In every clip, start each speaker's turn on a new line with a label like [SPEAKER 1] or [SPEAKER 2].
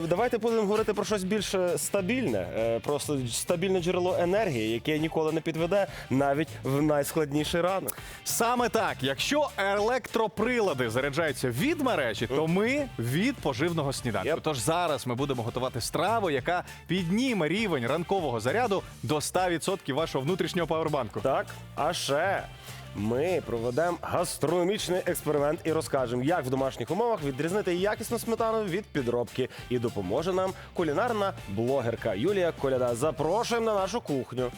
[SPEAKER 1] Давайте будемо говорити про щось більш стабільне, просто стабільне джерело енергії, яке ніколи не підведе навіть в найскладніший ранок.
[SPEAKER 2] Саме так, якщо електроприлади заряджаються від мережі, то ми від поживного сніданку.
[SPEAKER 1] Yep.
[SPEAKER 2] Тож зараз ми будемо готувати страву, яка підніме рівень ранкового заряду до 100% вашого внутрішнього павербанку.
[SPEAKER 1] Так, а ще ми проведемо гастрономічний експеримент і розкажемо, як в домашніх умовах відрізнити якісну сметану від підробки. І допоможе нам кулінарна блогерка Юлія Коляда. Запрошуємо на нашу кухню.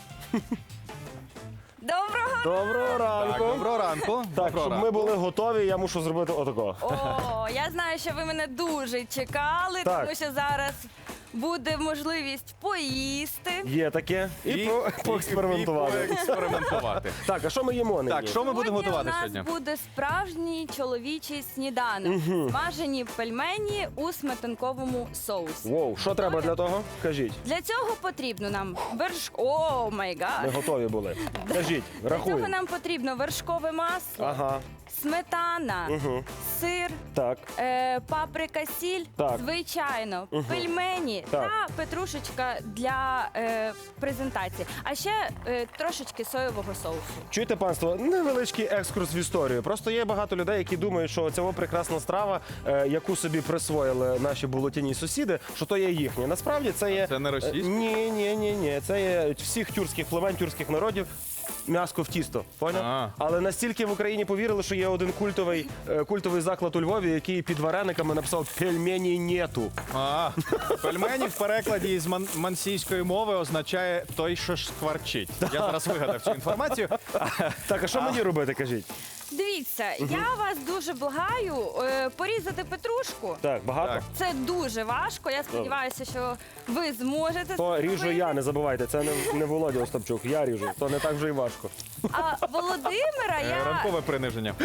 [SPEAKER 1] Доброго ранку!
[SPEAKER 2] Так, доброго ранку.
[SPEAKER 1] Так,
[SPEAKER 2] Доброго
[SPEAKER 1] щоб ми
[SPEAKER 2] ранку.
[SPEAKER 1] були готові, я мушу зробити отако.
[SPEAKER 3] О, я знаю, що ви мене дуже чекали,
[SPEAKER 1] Так.
[SPEAKER 3] тому що зараз буде можливість поїсти.
[SPEAKER 1] Є таке. І поекспериментувати.
[SPEAKER 2] поекспериментувати.
[SPEAKER 1] Так, а що ми їмо нині?
[SPEAKER 2] Так, що ми будемо готувати
[SPEAKER 3] у
[SPEAKER 2] сьогодні?
[SPEAKER 3] нас буде справжній чоловічий сніданок. Смажені пельмені у сметанковому соусі.
[SPEAKER 1] Воу, що треба для того? Кажіть.
[SPEAKER 3] Для цього потрібно нам О май
[SPEAKER 1] Ми
[SPEAKER 3] гад!
[SPEAKER 1] готові були. Кажіть,
[SPEAKER 3] Для цього
[SPEAKER 1] рахуємо.
[SPEAKER 3] нам потрібно вершкове масло,
[SPEAKER 1] Ага,
[SPEAKER 3] сметана, сир,
[SPEAKER 1] так.
[SPEAKER 3] паприка, сіль,
[SPEAKER 1] Так.
[SPEAKER 3] звичайно, пельмені
[SPEAKER 1] Так.
[SPEAKER 3] та петрушечка для презентації. А ще трошечки соєвого соусу.
[SPEAKER 1] Чуєте, панство, невеличкий екскурс в історію. Просто є багато людей, які думають, що ця прекрасна страва, яку собі присвоїли наші болотяні сусіди, що то є їхнє. Насправді це є...
[SPEAKER 2] Це не російське?
[SPEAKER 1] Ні. Це є всіх тюркських племен, тюркських народів. М'яско в тісто, поняв?
[SPEAKER 2] А.
[SPEAKER 1] Але настільки в Україні повірили, що є один культовий заклад у Львові, який під варениками написав «пельмені нету».
[SPEAKER 2] Пельмені в перекладі з мансійської мови означає «той, що ж скварчить». Я зараз вигадав цю інформацію.
[SPEAKER 1] Так, а що мені робити, кажіть?
[SPEAKER 3] Дивіться, я вас дуже благаю порізати петрушку.
[SPEAKER 1] Так, багато?
[SPEAKER 2] Так.
[SPEAKER 3] Це дуже важко. Я сподіваюся, що ви зможете
[SPEAKER 1] То
[SPEAKER 3] це
[SPEAKER 1] ріжу
[SPEAKER 3] зробити.
[SPEAKER 1] я, не забувайте, це не Володя Остапчук, я ріжу, то не так вже і важко.
[SPEAKER 3] А Володимира я...
[SPEAKER 2] Ранкове приниження.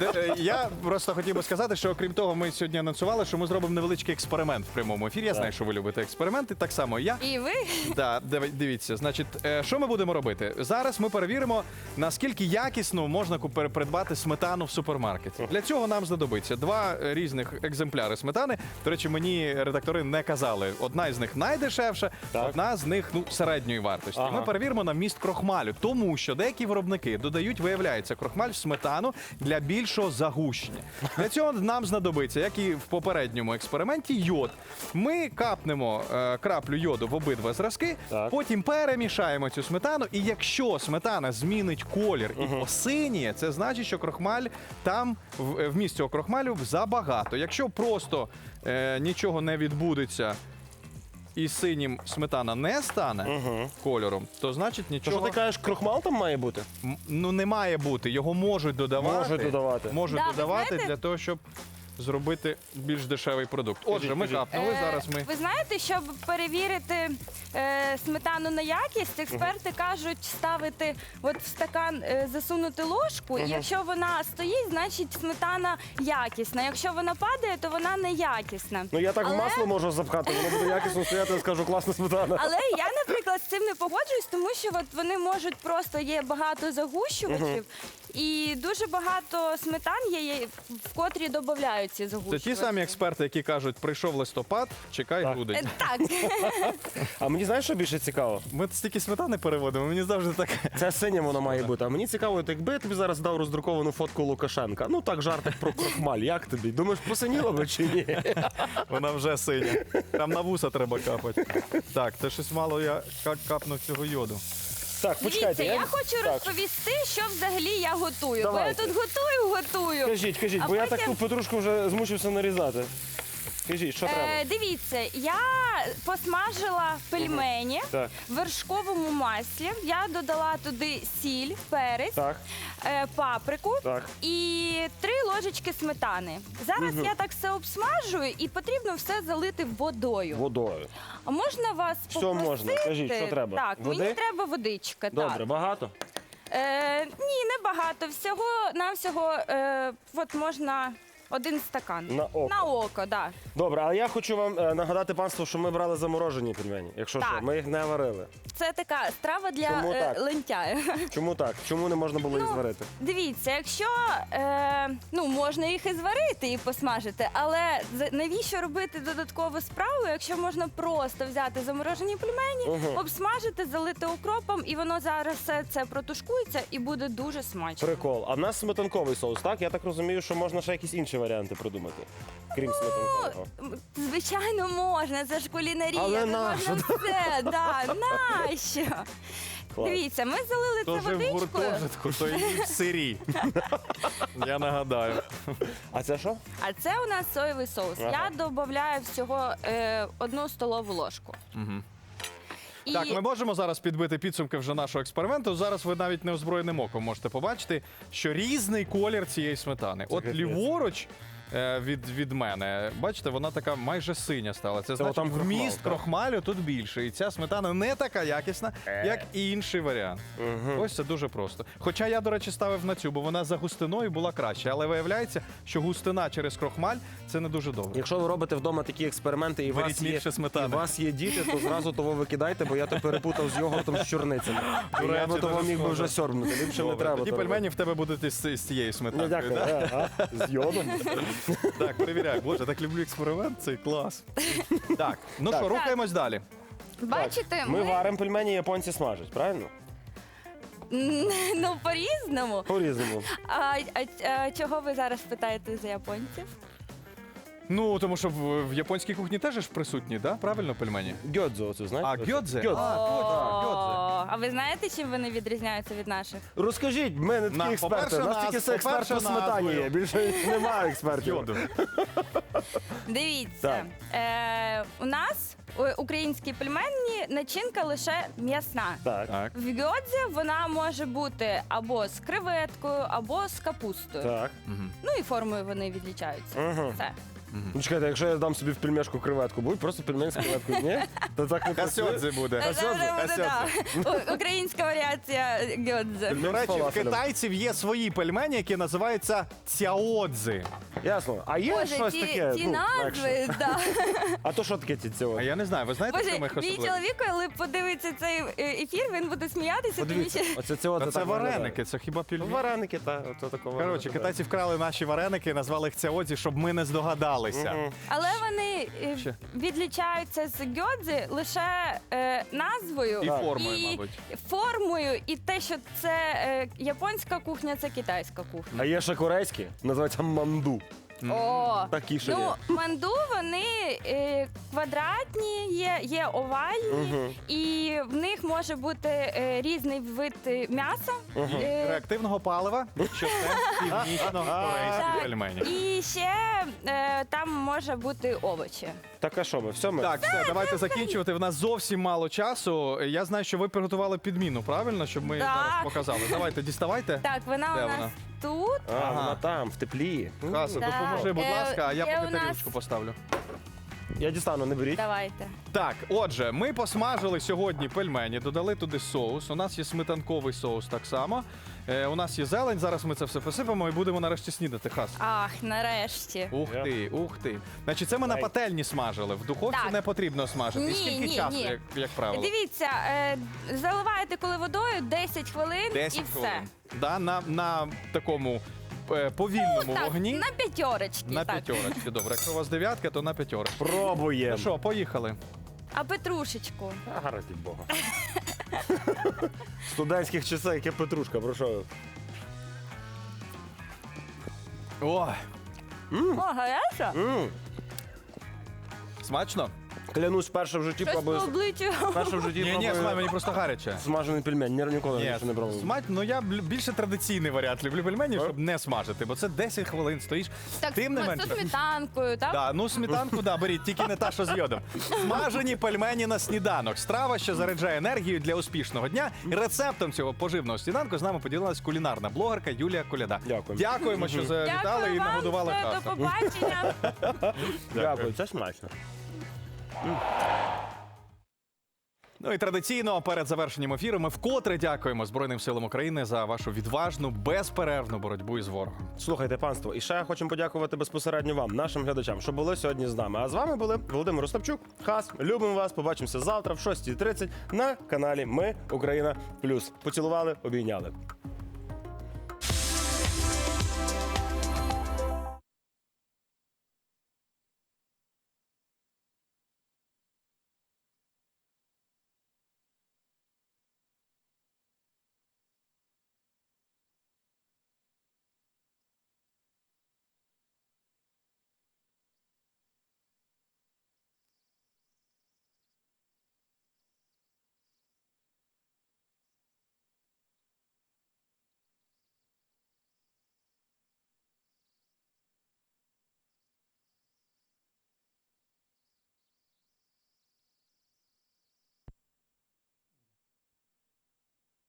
[SPEAKER 2] Я просто хотів би сказати, що окрім того, ми сьогодні анонсували, що ми зробимо невеличкий експеримент в прямому ефірі. Я знаю, що ви любите експерименти, так само і я.
[SPEAKER 3] І ви?
[SPEAKER 2] Так, дивіться, значить, що ми будемо робити? Зараз ми перевіримо, наскільки якісно можна придбати сметану в супермаркеті. Для цього нам знадобиться два різних екземпляри сметани. До речі, мені редактори не казали. Одна з них найдешевша,
[SPEAKER 1] Так.
[SPEAKER 2] одна з них середньої вартості.
[SPEAKER 1] Ага.
[SPEAKER 2] Ми перевіримо на вміст крохмалю, тому що деякі виробники додають, виявляється, крохмаль в сметану для більшого загущення. Для цього нам знадобиться, як і в попередньому експерименті, йод. Ми капнемо краплю йоду в обидва зразки,
[SPEAKER 1] Так.
[SPEAKER 2] потім перемішаємо цю сметану, і якщо сметана змінить колір і посиніє, це значить, що крохмаль там, вміст цього крохмалю забагато. Якщо просто нічого не відбудеться і синім сметана не стане кольором, то значить
[SPEAKER 1] То
[SPEAKER 2] нічого...
[SPEAKER 1] що ти кажеш, крохмал там має бути?
[SPEAKER 2] Ну, не має бути. Його можуть додавати.
[SPEAKER 1] Можуть додавати.
[SPEAKER 2] Можуть
[SPEAKER 3] Да, ви
[SPEAKER 2] додавати
[SPEAKER 3] знаєте-
[SPEAKER 2] для того, щоб зробити більш дешевий продукт. Отже, ми
[SPEAKER 1] кажіть.
[SPEAKER 2] капнули, зараз ми...
[SPEAKER 3] Ви знаєте, щоб перевірити сметану на якість, експерти кажуть ставити от в стакан, засунути ложку, і якщо вона стоїть, значить сметана якісна. Якщо вона падає, то вона неякісна.
[SPEAKER 1] Ну я так в
[SPEAKER 3] Але-
[SPEAKER 1] масло можу запхати, воно буде якісно стояти, я скажу, класна сметана.
[SPEAKER 3] Але я, наприклад, з цим не погоджуюсь, тому що от вони можуть просто є багато загущувачів, і дуже багато сметан є, в котрі додають ці
[SPEAKER 2] Це
[SPEAKER 3] загущувачі.
[SPEAKER 2] ті самі експерти, які кажуть, прийшов листопад, чекай грудень.
[SPEAKER 3] Так.
[SPEAKER 1] А мені знаєш, що більше цікаво?
[SPEAKER 2] Ми стільки сметани переводимо, мені завжди так...
[SPEAKER 1] Це синє воно має бути. А мені цікаво, от якби я тобі зараз дав роздруковану фотку Лукашенка. Ну так, жартик про крохмаль. Як тобі? Думаєш, посиніло би чи ні?
[SPEAKER 2] Вона вже синя. Там на вуса треба капати. Так, це щось мало я капнув цього йоду.
[SPEAKER 1] Так, почекайте.
[SPEAKER 3] Дивіться, я хочу
[SPEAKER 1] Так.
[SPEAKER 3] розповісти, що взагалі я готую. Бо
[SPEAKER 1] Давайте.
[SPEAKER 3] я тут готую.
[SPEAKER 1] Кажіть,
[SPEAKER 3] А
[SPEAKER 1] бо я
[SPEAKER 3] потім-
[SPEAKER 1] так ту петрушку вже змучився нарізати. Кажіть, що треба?
[SPEAKER 3] Дивіться, я посмажила пельмені
[SPEAKER 1] Так.
[SPEAKER 3] в вершковому маслі. Я додала туди сіль, перець,
[SPEAKER 1] Так,
[SPEAKER 3] паприку
[SPEAKER 1] так.
[SPEAKER 3] і 3 ложечки сметани. Зараз я так все обсмажую і потрібно все залити водою.
[SPEAKER 1] Водою.
[SPEAKER 3] А можна вас
[SPEAKER 1] Все
[SPEAKER 3] попросити?
[SPEAKER 1] можна. Кажіть, що треба?
[SPEAKER 3] Так,
[SPEAKER 1] Води?
[SPEAKER 3] мені треба водичка.
[SPEAKER 1] Добре,
[SPEAKER 3] Так.
[SPEAKER 1] багато?
[SPEAKER 3] Ні, не багато. Всього навсього от можна 1 стакан.
[SPEAKER 1] На око.
[SPEAKER 3] На око, да.
[SPEAKER 1] Добре, але я хочу вам нагадати, панство, що ми брали заморожені пельмені. Якщо
[SPEAKER 3] Так.
[SPEAKER 1] що, ми їх не варили.
[SPEAKER 3] Це така страва для
[SPEAKER 1] Чому так?
[SPEAKER 3] лентяя.
[SPEAKER 1] Чому так? Чому не можна було їх зварити?
[SPEAKER 3] Дивіться, якщо можна їх і зварити, і посмажити, але навіщо робити додаткову справу, якщо можна просто взяти заморожені пельмені, обсмажити, залити укропом, і воно зараз все це протушкується і буде дуже смачно.
[SPEAKER 1] Прикол. А в нас сметанковий соус, так? Я так розумію, що можна ще якісь інші варіанти придумати, крім сметанкового.
[SPEAKER 3] Звичайно, можна, це ж кулінарія.
[SPEAKER 1] Але
[SPEAKER 3] це
[SPEAKER 1] нащо?
[SPEAKER 3] можна все, да, нащо?
[SPEAKER 1] Клас.
[SPEAKER 3] Дивіться, ми залили
[SPEAKER 2] Хто
[SPEAKER 3] це
[SPEAKER 2] жив в
[SPEAKER 3] водичкою.
[SPEAKER 2] гуртожитку, то і в сирі. Я нагадаю.
[SPEAKER 1] А це що?
[SPEAKER 3] А це у нас соєвий соус.
[SPEAKER 1] Ага.
[SPEAKER 3] Я додаю всього 1 столову ложку. І
[SPEAKER 2] Так, ми можемо зараз підбити підсумки вже нашого експерименту. Зараз ви навіть неозброєним оком можете побачити, що різний колір цієї сметани. От
[SPEAKER 1] капець.
[SPEAKER 2] ліворуч від мене, бачите, вона така майже синя стала. Це значить,
[SPEAKER 1] отам крохмал,
[SPEAKER 2] вміст
[SPEAKER 1] так?
[SPEAKER 2] крохмалю тут більше. І ця сметана не така якісна, як і інший варіант. Ось це дуже просто. Хоча я, до речі, ставив на цю, бо вона за густиною була краще. Але виявляється, що густина через крохмаль – це не дуже добре.
[SPEAKER 1] Якщо ви робите вдома такі експерименти і
[SPEAKER 2] Беріть більше сметани.
[SPEAKER 1] у вас є діти, то зразу того викидайте, бо я то перепутав з йогуртом з чорницями. І я
[SPEAKER 2] речі,
[SPEAKER 1] би того
[SPEAKER 2] дуже
[SPEAKER 1] міг би
[SPEAKER 2] схоже.
[SPEAKER 1] вже сьорбнути. Ліпше не
[SPEAKER 2] Добре,
[SPEAKER 1] треба.
[SPEAKER 2] тоді
[SPEAKER 1] то робити.
[SPEAKER 2] пельмені в тебе будуть із цієї
[SPEAKER 1] Ну,
[SPEAKER 2] сметани.
[SPEAKER 1] дякую. З йодом.
[SPEAKER 2] Так, перевіряй. Боже, так люблю експеримент, цей клас. Так, ну
[SPEAKER 1] Так.
[SPEAKER 2] що, рухаємось далі.
[SPEAKER 3] бачите,
[SPEAKER 1] Ми варимо пельмені, японці смажать, правильно?
[SPEAKER 3] ну по-різному.
[SPEAKER 1] По-різному.
[SPEAKER 3] А чого ви зараз питаєте за японців?
[SPEAKER 2] Ну, тому що в японській кухні теж ж присутні, да? Правильно, пельмені?
[SPEAKER 1] Гьодзо оцю, знаєте?
[SPEAKER 2] А, гьодзе?
[SPEAKER 1] Гьодзе.
[SPEAKER 2] А, точно, гьодзе.
[SPEAKER 3] А ви знаєте, чим вони відрізняються від наших?
[SPEAKER 1] Розкажіть, ми не такі експерти.
[SPEAKER 2] по-перше,
[SPEAKER 1] У нас тільки
[SPEAKER 2] по-перше,
[SPEAKER 1] експерт по сметані
[SPEAKER 2] назвою.
[SPEAKER 1] є. Більше немає експертів.
[SPEAKER 2] Йоду.
[SPEAKER 3] Дивіться, у нас українські пельмені начинка лише м'ясна.
[SPEAKER 1] Так.
[SPEAKER 2] Так.
[SPEAKER 3] В гьодзі вона може бути або з креветкою, або з капустою.
[SPEAKER 1] Так.
[SPEAKER 3] Ну і формою вони відлічаються.
[SPEAKER 1] Мгм.
[SPEAKER 3] Все.
[SPEAKER 1] Ну чекайте, якщо я дам собі в пельмешку креветку, будь просто пельмень з креветкою. Ні? То так не працює.
[SPEAKER 2] Касьодзе буде.
[SPEAKER 3] Це буде, да. Українська варіація гьодзе.
[SPEAKER 2] До речі, в
[SPEAKER 1] фалафелем.
[SPEAKER 2] китайців є свої пельмені, які називаються цяодзи.
[SPEAKER 1] Ясно. А є
[SPEAKER 3] Боже,
[SPEAKER 1] щось таке?
[SPEAKER 3] ті
[SPEAKER 1] легше?
[SPEAKER 3] назви, да.
[SPEAKER 1] А то що таке ці
[SPEAKER 2] А
[SPEAKER 1] цього?
[SPEAKER 2] я не знаю, ви знаєте,
[SPEAKER 3] Боже,
[SPEAKER 2] що ми їх
[SPEAKER 3] мій
[SPEAKER 2] особливо?
[SPEAKER 3] чоловік, коли подивиться цей ефір, він буде сміятися, тому
[SPEAKER 1] Подивіться,
[SPEAKER 3] що
[SPEAKER 1] оце цього
[SPEAKER 2] Та це вареники, це хіба пельмені?
[SPEAKER 1] Вареники, так. Ото такого.
[SPEAKER 2] Коротше, китайці вкрали наші вареники, назвали їх цяодзі, щоб ми не здогадалися.
[SPEAKER 3] але вони
[SPEAKER 2] Ще.
[SPEAKER 3] відлічаються з гьодзи лише назвою
[SPEAKER 2] І формою, мабуть.
[SPEAKER 3] формою, і те, що це японська кухня, це китайська кухня.
[SPEAKER 1] А є ще корейські, називаються манду.
[SPEAKER 3] О,
[SPEAKER 1] Такі ще є.
[SPEAKER 3] ну манду вони квадратні, є овальні, і в них може бути різний вид м'яса.
[SPEAKER 2] Реактивного палива, що це північно-корейські
[SPEAKER 3] Так.
[SPEAKER 2] пельмені.
[SPEAKER 3] І ще там може бути овочі.
[SPEAKER 1] Так а що ми? Все ми?
[SPEAKER 2] Так, все, давайте закінчувати. В нас зовсім мало часу. Я знаю, що ви приготували підміну, правильно? Щоб ми
[SPEAKER 3] Так.
[SPEAKER 2] зараз показали. Давайте, діставайте.
[SPEAKER 3] Так, вона
[SPEAKER 2] Де
[SPEAKER 3] у нас
[SPEAKER 2] вона?
[SPEAKER 3] тут.
[SPEAKER 1] А,
[SPEAKER 2] Ага.
[SPEAKER 1] вона там, в теплі.
[SPEAKER 2] Хаса,
[SPEAKER 3] Так.
[SPEAKER 2] допоможи, будь ласка, а я
[SPEAKER 3] Є
[SPEAKER 2] поки
[SPEAKER 3] у нас-
[SPEAKER 2] тарілочку поставлю.
[SPEAKER 1] Я дістану, не беріть.
[SPEAKER 3] Давайте.
[SPEAKER 2] Так, отже, ми посмажили сьогодні пельмені, додали туди соус. У нас є сметанковий соус так само. У нас є зелень, зараз ми це все посипемо і будемо нарешті снідати. Хас.
[SPEAKER 3] Ах, нарешті.
[SPEAKER 2] Ух ти, ух ти. Значить, це ми на
[SPEAKER 1] Ай.
[SPEAKER 2] пательні смажили. В духовці
[SPEAKER 3] Так.
[SPEAKER 2] не потрібно смажити. І
[SPEAKER 3] Ні,
[SPEAKER 2] скільки
[SPEAKER 3] ні,
[SPEAKER 2] часу,
[SPEAKER 3] ні.
[SPEAKER 2] як правило?
[SPEAKER 3] Дивіться, заливаєте коли водою 10 хвилин
[SPEAKER 2] 10
[SPEAKER 3] і все.
[SPEAKER 2] хвилин. Да, на такому повільному
[SPEAKER 3] Так,
[SPEAKER 2] вогні.
[SPEAKER 3] на п'ятерочки.
[SPEAKER 2] На
[SPEAKER 3] так.
[SPEAKER 2] п'ятерочки, добре. Якщо у вас дев'ятка, то на п'ятерочки. Ну
[SPEAKER 1] Пробуємо.
[SPEAKER 2] що, поїхали.
[SPEAKER 3] А петрушечку?
[SPEAKER 1] Гаразд від Бога. Студентських часів, яке петрушка, про що?
[SPEAKER 2] О,
[SPEAKER 3] О, гаряча?
[SPEAKER 2] смачно?
[SPEAKER 1] Клянусь, перше в житті
[SPEAKER 3] Щось по
[SPEAKER 1] пробую.
[SPEAKER 3] обличчю.
[SPEAKER 1] Перше в житті
[SPEAKER 2] Ні,
[SPEAKER 1] пробую
[SPEAKER 2] смачно, мені просто гаряче.
[SPEAKER 1] смажений пельмень. Ніколи раніше не пробував.
[SPEAKER 2] смачно, ну я більше традиційний варіант люблю пельменів, щоб не смажити, бо це 10 хвилин стоїш.
[SPEAKER 3] Так,
[SPEAKER 2] Тим не
[SPEAKER 3] з
[SPEAKER 2] менше.
[SPEAKER 3] сметанкою, так?
[SPEAKER 2] Да, ну сметанку, да, беріть, тільки не та, що з йодом. Смажені пельмені на сніданок. Страва, що заряджає енергію для успішного дня. І рецептом цього поживного сніданку з нами поділилась кулінарна блогерка Юлія Коляда.
[SPEAKER 1] Дякую.
[SPEAKER 2] Дякуємо, що завітали
[SPEAKER 3] Дякую
[SPEAKER 2] і
[SPEAKER 3] вам,
[SPEAKER 2] нагодували
[SPEAKER 3] все,
[SPEAKER 2] хаса.
[SPEAKER 3] до побачення.
[SPEAKER 1] Дякую, це смачно.
[SPEAKER 2] Ну і традиційно перед завершенням ефіру ми вкотре дякуємо Збройним силам України за вашу відважну, безперервну боротьбу із ворогом.
[SPEAKER 1] Слухайте, панство, і ще хочемо подякувати безпосередньо вам, нашим глядачам, що були сьогодні з нами. А з вами були Володимир Остапчук, Хас. Любимо вас. Побачимося завтра в 6:30 на каналі Ми Україна Плюс. Поцілували, обійняли.